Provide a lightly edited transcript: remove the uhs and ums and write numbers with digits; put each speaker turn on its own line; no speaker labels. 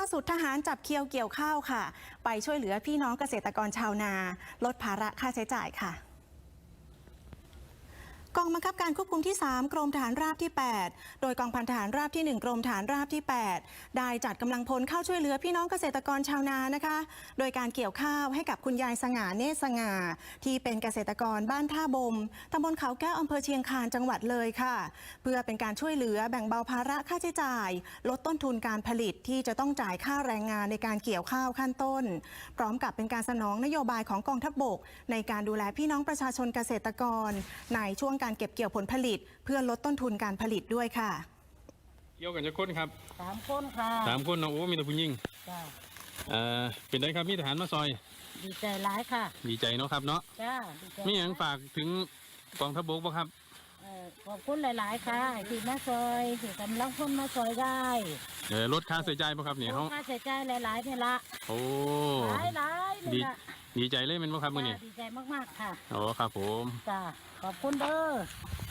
สุดทหารจับเคียวเกี่ยวข้าวค่ะไปช่วยเหลือพี่น้องเกษตรกรชาวนาลดภาระค่าใช้จ่ายค่ะกองบังคับการควบคุมที่ 3 กรมทหารราบที่ 8 โดยกองพันทหารราบที่ 1 กรมทหารราบที่ 8 ได้จัดกำลังพลเข้าช่วยเหลือพี่น้องเกษตรกรชาวนานะคะโดยการเกี่ยวข้าวให้กับคุณยายสง่าเนตรสง่าที่เป็นเกษตรกรบ้านท่าบมตำบลเขาแก้วอำเภอเชียงคานจังหวัดเลยค่ะเพื่อเป็นการช่วยเหลือแบ่งเบาภาระค่าใช้จ่ายลดต้นทุนการผลิตที่จะต้องจ่ายค่าแรงงานในการเกี่ยวข้าวขั้นต้นพร้อมกับเป็นการสนองนโยบายของกองทัพบกในการดูแลพี่น้องประชาชนเกษตรกรในช่วงการเก็บเกี่ยวผลผลิตเพื่อลดต้นทุนการผลิตด้วยค่ะ
เกี่ยวกันจะคนครับ
3 คนค่ะ
3 คนเนาะโอ้มีแต่ผู้หญิง
จ้า
เป็นไงครับมีทหารมาซอย
ดีใจร้ายค่ะ
ดีใจเนาะครับเนาะ
จ้าดีใจ
มีอย่างฝากถึงกองทัพบกบ่ครับ
ขอบคุณหลายๆค่ะที่มาซอยที่กำลังคนมาซอยได้
ลดค่าใช้จ่ายบ่ครับเนี่ยเขา
ค่าใช้จ่ายหลายๆนี่ละ
โอ้
หลายนี่ละ
ดีใจเลยเป็นบ่ครับมื้อนี้
ดีใจมากๆค่ะ
โอ้ครับผม
จ้าขอบคุณเด้อ